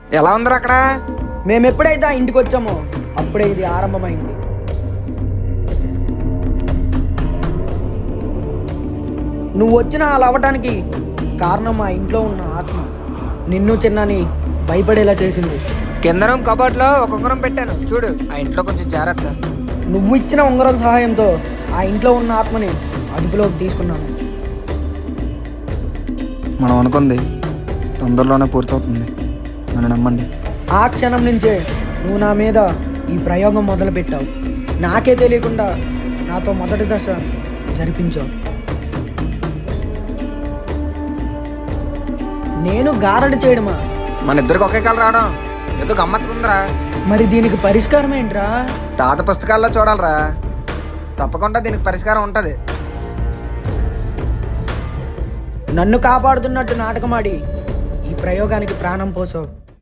ఎలా ఉందరు అక్కడ? మేము ఎప్పుడైతే ఆ ఇంటికి వచ్చామో అప్పుడే ఇది ఆరంభమైంది. నువ్వు వచ్చిన అలా అవ్వటానికి కారణం మా ఇంట్లో ఉన్న ఆత్మ నిన్ను చిన్నని భయపడేలా చేసింది. కింద రూమ్ కబోర్డ్లో ఒక ఉంగరం పెట్టాను చూడు, ఆ ఇంట్లో కొంచెం జాగ్రత్త. నువ్వు ఇచ్చిన ఉంగరం సహాయంతో ఆ ఇంట్లో ఉన్న ఆత్మని అదుపులోకి తీసుకున్నాను. మనం అనుకుంది తొందరలోనే పూర్తవుతుంది, నన్ను నమ్మండి. ఆ క్షణం నుంచే నువ్వు నా మీద ఈ ప్రయోగం మొదలుపెట్టావు. నాకే తెలియకుండా నాతో మొదటి దశ జరిపించావు. నేను గారడి చేయడమా? మన ఇద్దరికి ఒకే కలర్ రావడం ఏదో గమ్మత్తుకుందిరా. మరి దీనికి పరిష్కారం ఏంట్రా? తాత పుస్తకాల్లో చూడాలరా, తప్పకుండా దీనికి పరిష్కారం ఉంటుంది. నన్ను కాపాడుతున్నట్టు నాటకమాడి ఈ ప్రయోగానికి ప్రాణం పోసావు.